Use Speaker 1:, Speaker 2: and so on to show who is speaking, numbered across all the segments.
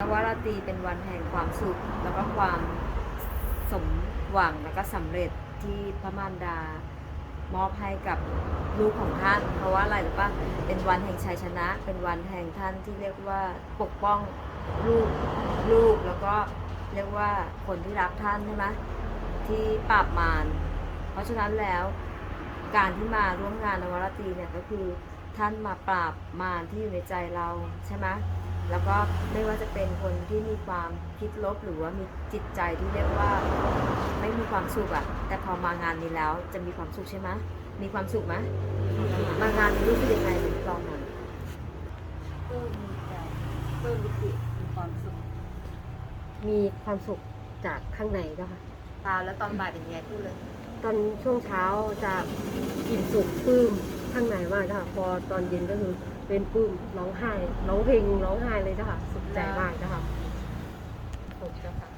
Speaker 1: วราตรีเป็นวันแห่งความสุขแล้วก็ความสมหวังแล้วก็สำเร็จที่พระมารดามอบให้กับลูกของท่านเพราะว่าอะไรหรือปะเป็นวันแห่งชัยชนะ เป็นวันแห่งท่านที่เรียกว่าปกป้องลูกแล้วก็เรียกว่าคนที่รักท่านใช่ไหมที่ปราบมารเพราะฉะนั้นแล้วการที่มาร่วมงานนวราตรีเนี่ยก็คือท่านมาปราบมารที่อยู่ในใจเราใช่ไหมแล้วก็ไม่ว่าจะเป็นคนที่มีความคิดลบหรือว่ามีจิตใจที่เรียกว่าไม่มีความสุขอะแต่พอมางานนี้แล้วจะมีความสุขใช่ไหมมีความสุขไหมมางานนี้รู้สึกยังไงถึงลองมา
Speaker 2: ปลื้มใจปลื้มปิติมีความสุข
Speaker 3: มีความสุขจากข้างในเจ้าค่ะ
Speaker 1: ตาแล้วตอนบ่ายเป็นยังไงพูดเลย
Speaker 3: ตอนช่วงเช้าจะอิ่มสุขปลื้มข้างในมากเจ้าค่ะพอตอนเย็นก็คือเป็นปลื้มร้องไห้ร้องเพลงร้องไห้เลยเจ้าค่ะสุขใจมากเจ้าค่ะสุขเจ้าค่ะ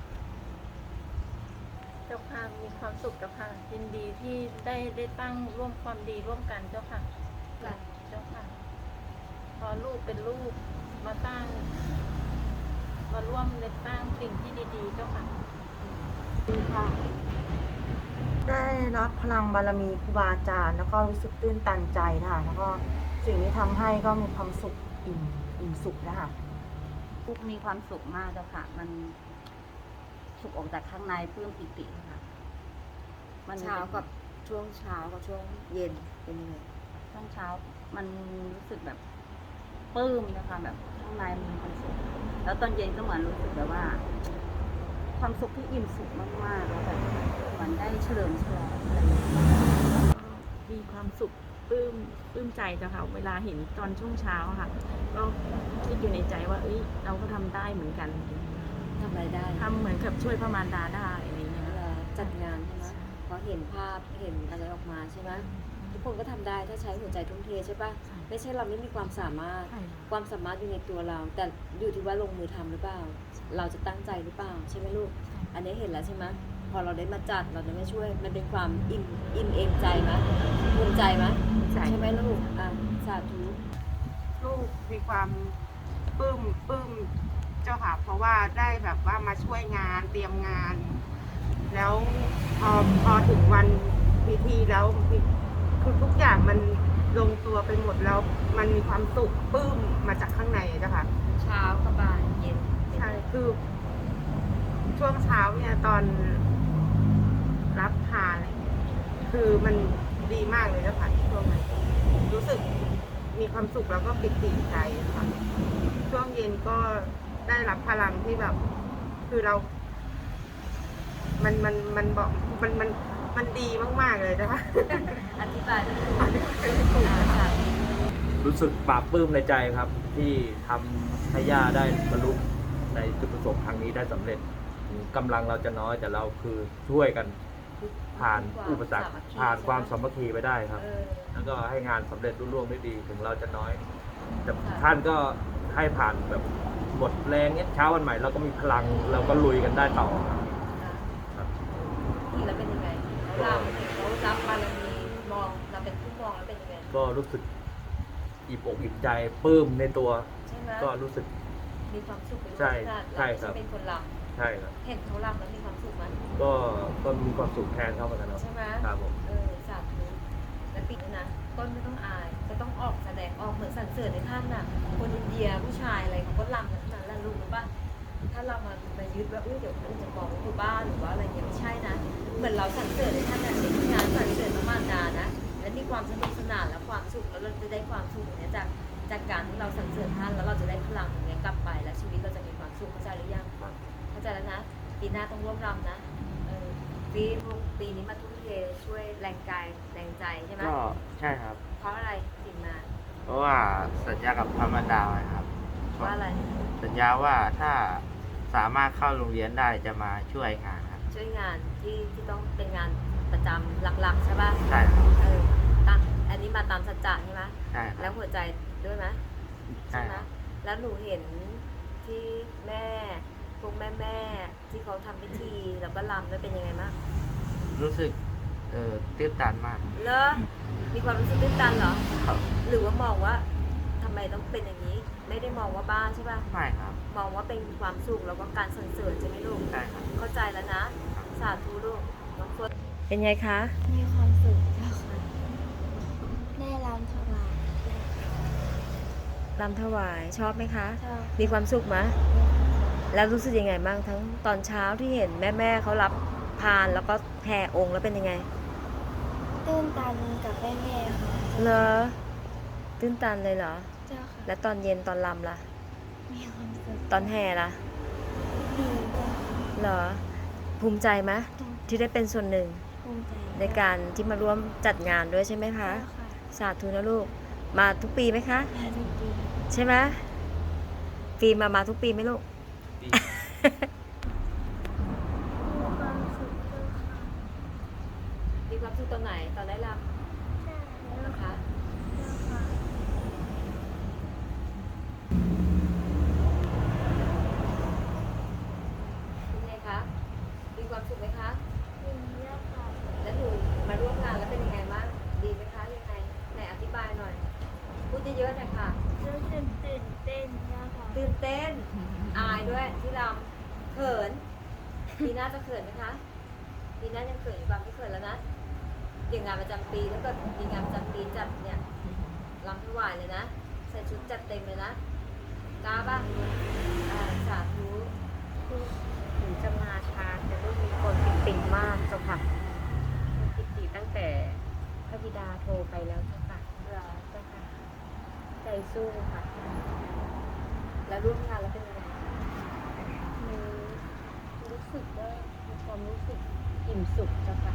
Speaker 2: เจ้าค่ะมีความสุขเจ้าค่ะยินดีที่ได้ตั้งร่วมความดีร่วมกันเจ้าค่ะเจ้าค่ะพอลูกเป็นลูกมาตั้งมาร่วมในตั้งสิ่งที่ดีๆเจ้าค่ะ
Speaker 4: ค่ะได้รับพลังบารมีครูบาอาจารย์แล้วก็รู้สึกตื้นตันใจนะคะแล้วก็สิ่งที่ทำให้ก็มีความสุขอิ่มสุขนะคะ
Speaker 5: ปุ๊กมีความสุขมากเจ้าค่ะ มันสุขออกจากข้างในปลื้มปิติค่ะ
Speaker 1: เช้ากับช่วงเช้ากับช่วงเย็นเป็นยังไง
Speaker 5: ช่วงเช้า มันรู้สึกแบบปลื้มนะคะแบบข้างในมันมีความสุขแล้วตอนเย็นก็เหมือนรู้สึกแบบว่า ความสุขที่อิ่มสุขมากๆแล้วแบบเหมือนได้เฉลิมฉลองอะไรอย่างเงี้ย
Speaker 6: มีความสุขปลื้มใจเจ้าค่ะเวลาเห็นตอนช่วงเช้าค่ะก็คิดอยู่ในใจว่าเอ้ยเราก็ทำได้เหมือนกัน
Speaker 1: ทำอะไรได้
Speaker 6: ทำเหมือนกับช่วยพระมารดาได้อะไรเงี้ย
Speaker 1: เวลาจัดงานใช่ไหมเพราะเห็นภาพเห็นอะไรออกมาใช่ไหมทุกคนก็ทำได้ถ้าใช้หัวใจทุ่มเทใช่ปะไม่ใช่เราไม่มีความสามารถ
Speaker 6: ใช่
Speaker 1: ความสามารถอยู่ในตัวเรา แต่อยู่ที่ว่าลงมือทำหรือเปล่า เราจะตั้งใจหรือเปล่าใช่ไหมลูก อันนี้เห็นแล้วใช่ไหมพอเราได้มาจัดเราได้มาช่วยมันเป็นความอิ่มเอมใจไหมภูมิใจไหม
Speaker 6: ใช่
Speaker 1: ใช่ไหมลูกสาธุ
Speaker 7: ลูกมีความปลื้มเจ้าค่ะ เพราะว่าได้แบบว่ามาช่วยงานเตรียมงาน แล้วพอถึงวันพิธีแล้วคือทุกอย่างมันลงตัวไปหมดแล้ว มันมีความสุขปลื้มมาจากข้างในเจ้าค่ะ
Speaker 1: เช้ากับบ่ายเย็น
Speaker 7: ใช่คือช่วงเช้าเนี่ยตอนรับทานอะไรเงี้ยคือมันดีมากเลยนะคะช่วงนั้นรู้สึกมีความสุขแล้วก็ปิติใจค่ะช่วงเย็นก็ได้รับพลังที่แบบ คือเรา มันบอกมันดีมากๆเลยนะคะ
Speaker 1: อธิบายได้ถูก สาธุ
Speaker 8: รู้สึกปลาบปลื้มในใจครับ ที่ทำให้ย่าได้บรรลุในจุดประสงค์ครั้งนี้ได้สำเร็จถึงกำลังเราจะน้อยแต่เราคือช่วยกันผ่านอุปสรรคผ่านความสามัคคีไปได้ครับ แล้วก็ให้งานสำเร็จรุ่ร่วงได้ดีถึงเราจะน้อยแต่ท่านก็ให้ผ่านแบบหมดแรงเนี้ยเช้าวันใหม่เราก็มีพลังเราก็ลุยกันได้ต่อครับ
Speaker 1: นี่แล้วเป็นยังไงเขารับบารมีมองเราเป็นผู้มองแล้วเป็นยังไง
Speaker 8: ก็รู้สึกอิ่มอกอิ่มใจปลื้มในตัว
Speaker 1: ใช่ไหม
Speaker 8: ก็รู้สึก
Speaker 1: มีความสุขไปด้วย
Speaker 8: ใช่
Speaker 1: ขนาด
Speaker 8: ใช่
Speaker 1: เรา
Speaker 8: ครับ
Speaker 1: เป็นคนร
Speaker 8: ใช่ครับ
Speaker 1: ำเห็นเขารำแล้วมีความสุขไหม
Speaker 8: ก็มีความสุขแทนเขาเหมือนกันเนาะ
Speaker 1: ใช่ไหม
Speaker 8: ครับผม
Speaker 1: สาธุและปิดนะต้นไม่ต้องอายก็ต้องออกแสดงออกเหมือนสรรเสริญในท่านน่ะคนอินเดียผู้ชายอะไรเขาก็รำกันทั้งนั้นแหละลูกรู้ป่ะถ้าเรามายึดว่าเดี๋ยวมันจะมองว่าอยู่บ้านหรือว่าอะไรอย่างเงี้ยไม่ใช่นะเหมือนเราสรรเสริญในท่านน่ะนี่คืองานสรรเสริญพระมารดานะและมีความสนุกสนานและความสุขแล้วเราจะได้ความสุขอย่างเนี้ยจากการที่เราสรรเสริญท่านแล้วเราจะได้พลังอย่างเงี้ยกลับไปแล้วชีวิตเราจะมีความสุขเข้าใจหรือยังเข้าใจแล้วนะปีหน้าต้องร่วมรำนะปีนี้มาทุ่มเทช่วยแรงกายแรงใจใช่ไหม
Speaker 9: ก็ใช่ครับ
Speaker 1: เพราะอะไรถึงมา
Speaker 9: เพราะว่าสัญญากับพระมารดาไว้ครับ
Speaker 1: ว่าอะไร
Speaker 9: สัญญาว่าถ้าสามารถเข้าโรงเรียนได้จะมาช่วยงานครับ
Speaker 1: ช่วยงานที่ต้องเป็นงานประจำหลักๆใช่ป่ะ
Speaker 9: ใช่ครับ
Speaker 1: ตามอันนี้มาตามสัจจะใช่ไหม
Speaker 9: ใช่ค
Speaker 1: แล้
Speaker 9: รั
Speaker 1: ว
Speaker 9: บ
Speaker 1: หัวใจด้วยไหม
Speaker 9: ใช่
Speaker 1: ไหม
Speaker 9: ครับ
Speaker 1: แล้วหนูเห็นที่แม่พวกแม่ที่เขาทำพิธีแล้วก็รำแล้วเป็นยังไงบ้าง
Speaker 9: รู้สึกตื้นตันมาก
Speaker 1: เหรอมีความรู้สึกตื้นตันเหรอ
Speaker 9: ครับ
Speaker 1: หรือว่ามองว่าทำไมต้องเป็นอย่างนี้ ไม่ได้มองว่าบ้าใช่ป่ะ
Speaker 9: ไม่ครับ
Speaker 1: เมองว่าเป็นความสุขแล้วก็การสรรเสริญใช่ไหมลูก
Speaker 9: ใช่ครับ
Speaker 1: เข้าใจแล้วนะ สาธุลูกน้องเฟิร์นเป็นไงคะ
Speaker 10: มีความสุขเจ้าค่ะ ได้รำถวาย
Speaker 1: รำถวายชอบไหมคะ
Speaker 10: ชอบ
Speaker 1: มีความสุขไหมแล้วรู้สึกยังไงบ้างทั้งตอนเช้าที่เห็นแม่เขารับพานแล้วก็แห่องค์แล้วเป็นยังไง
Speaker 10: ตื้นตันกับแม่ๆค่ะ
Speaker 1: เหรอตื้นตันเลยเหรอ
Speaker 10: เจ้าค่ะ
Speaker 1: แล้วตอนเย็นตอนรำล่ะ
Speaker 10: มีความสุข
Speaker 1: ตอนแห่ล่ะ
Speaker 10: ดีเจ้าค่ะ
Speaker 1: เหรอ ภูมิใจไหมที่ได้เป็นส่วนหนึ่ง
Speaker 10: ภูมิใจ
Speaker 1: ในการที่มาร่วมจัดงานด้วยใช่ไหมคะ
Speaker 10: เจ้าค่ะ
Speaker 1: สาธุนะลูก มาทุกปีไหมคะ
Speaker 10: มาทุกปี
Speaker 1: ใช่ไหมฟิล์มมาทุกปีไหมลูก
Speaker 10: มีความสุขเจ้าค่ะ
Speaker 1: มีความสุขตอนไหนตอนได้ร
Speaker 10: ใช่
Speaker 1: ำนะคะ
Speaker 10: เจ้าค่ะ
Speaker 1: เป็นไงคะ มีความสุขไหมคะ
Speaker 10: มีเจ้าค่ะ
Speaker 1: แล้วหนูมาร่วมงานแล้วเป็นยังไงบ้าง ดีไหมคะยังไงไหนอธิบายหน่อย พูดเยอะๆหน่อยค่ะ
Speaker 10: รู้สึกตื่นเต้นเจ้าค่ะ
Speaker 1: ตื่นเต้น อายด้วยที่รำเขิน ปีหน้าจะเขินไหมคะ ปีหน้ายังเขินอยู่บ้างไม่เขินแล้วนะอย่างงานประจำปีถ้าเกิดมีงานประจำปีจัดเนี่ยรำถวายเลยนะ ใส่ชุดจัดเต็มเลยนะกล้าป่ะสาธุ
Speaker 3: ถึงจะมาช้าแต่ลูกมีคนปิติมากเจ้าค่ะปิติตั้งแต่พระบิดาโทรไปแล้วเจ้าค่ะเจ้าค่ะใจสู้ค่ะ
Speaker 1: แล้วร่วมงานแล้วเป็นยังไง
Speaker 3: รู้สึกว่ามีความรู้สึกอิ่มสุขเจ้าค่ะ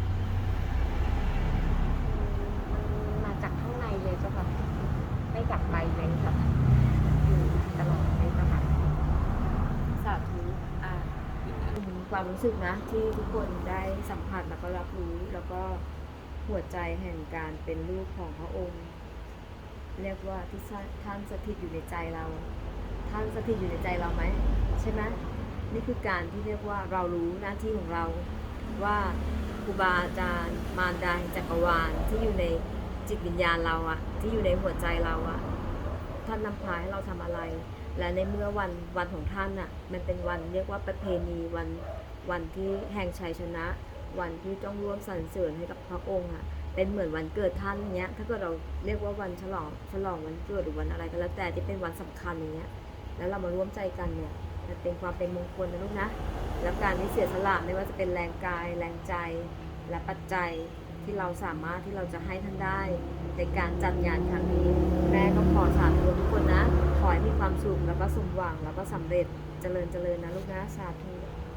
Speaker 3: มันมาจากข้างในเลยเจ้าค่ะไม่กลับไปเลยค่ะอยู่ตลอดเลยเจ้าค่ะ
Speaker 1: สาธุความรู้สึกนะที่ทุกคนได้สัมผัสแล้วก็รับรู้ แล้วก็หัวใจแห่งการเป็นลูกของพระองค์ เรียกว่าที่ท่านสถิตอยู่ในใจเรา ท่านสถิตอยู่ในใจเราไหมใช่ไหมนี่คือการที่เรียกว่าเรารู้หน้าที่ของเรา ว่าครูบาอาจารย์มารดาแห่งจักรวาลที่อยู่ในจิตวิญญาณเราอะที่อยู่ในหัวใจเราอะท่านนำพาให้เราทำอะไร และในเมื่อวันของท่านน่ะมันเป็นวันเรียกว่าประเพณีวันที่แห่งชัยชนะ วันที่ต้องร่วมสรรเสริญให้กับพระองค์อะเป็นเหมือนวันเกิดท่านเนี้ยถ้าเกิดเราเรียกว่าวันฉลองวันเกิดหรือวันอะไรก็แล้วแต่ที่เป็นวันสำคัญอย่างเงี้ยแล้วเรามาร่วมใจกันเนี่ยมันเป็นความเป็นมงคลนะลูกนะแล้วการที่เสียสละไม่ว่าจะเป็นแรงกายแรงใจและปัจจัยที่เราสามารถที่เราจะให้ท่านได้ในการจัดงานครั้งนี้แม่ก็ขอสาธุทุกคนนะขอให้มีความสุขแล้วก็สมหวังแล้วก็สำเร็จเจริญนะลูกนะสาธุ